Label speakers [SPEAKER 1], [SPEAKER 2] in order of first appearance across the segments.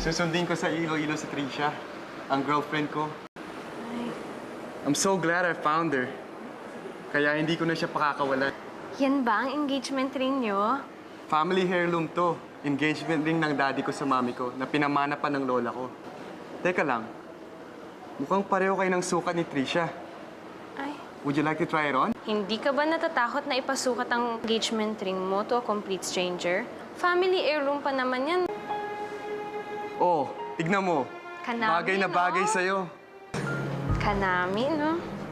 [SPEAKER 1] Susundin ko sa Iloilo si Trisha, ang girlfriend ko.
[SPEAKER 2] Ay,
[SPEAKER 1] I'm so glad I found her. Kaya hindi ko na siya pakakawalan.
[SPEAKER 2] yan ba ang engagement ring nyo?
[SPEAKER 1] Family heirloom to. Engagement ring ng daddy ko sa mami ko na pinamana pa ng lola ko. Teka lang, mukhang pareho kayo ng sukat ni Trisha.
[SPEAKER 2] Ay,
[SPEAKER 1] Would you like to try it on?
[SPEAKER 2] hindi ka ba natatakot na ipasukat ang engagement ring mo to a complete stranger? Family heirloom pa naman yan.
[SPEAKER 1] Oh, tignan mo.
[SPEAKER 2] Kanami,
[SPEAKER 1] Bagay na bagay
[SPEAKER 2] no?
[SPEAKER 1] sa'yo.
[SPEAKER 2] Kanami, no?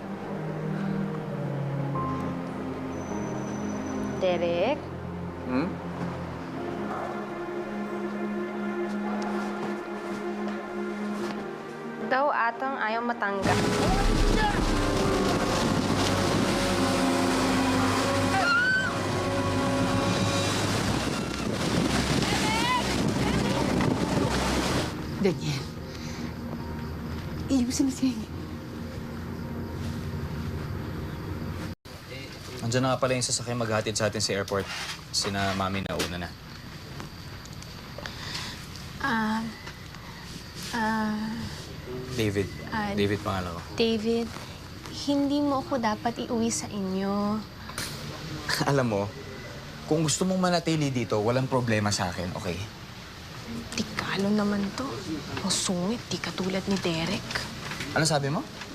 [SPEAKER 2] Derek?
[SPEAKER 1] Hmm?
[SPEAKER 2] Daw atang ayaw matanggap.
[SPEAKER 3] Daniel. Iusin na siya.
[SPEAKER 4] Andiyan na nga pala yung sasakyan maghatid sa atin sa airport. Sina Mami na una na. David. David pangalan ko.
[SPEAKER 2] David, hindi mo ako dapat iuwi sa inyo.
[SPEAKER 4] Alam mo, kung gusto mong manatili dito, walang problema sa akin, okay?
[SPEAKER 2] Tikalo naman to. Ang sungit, di katulad ni Derek.
[SPEAKER 4] Ano sabi mo?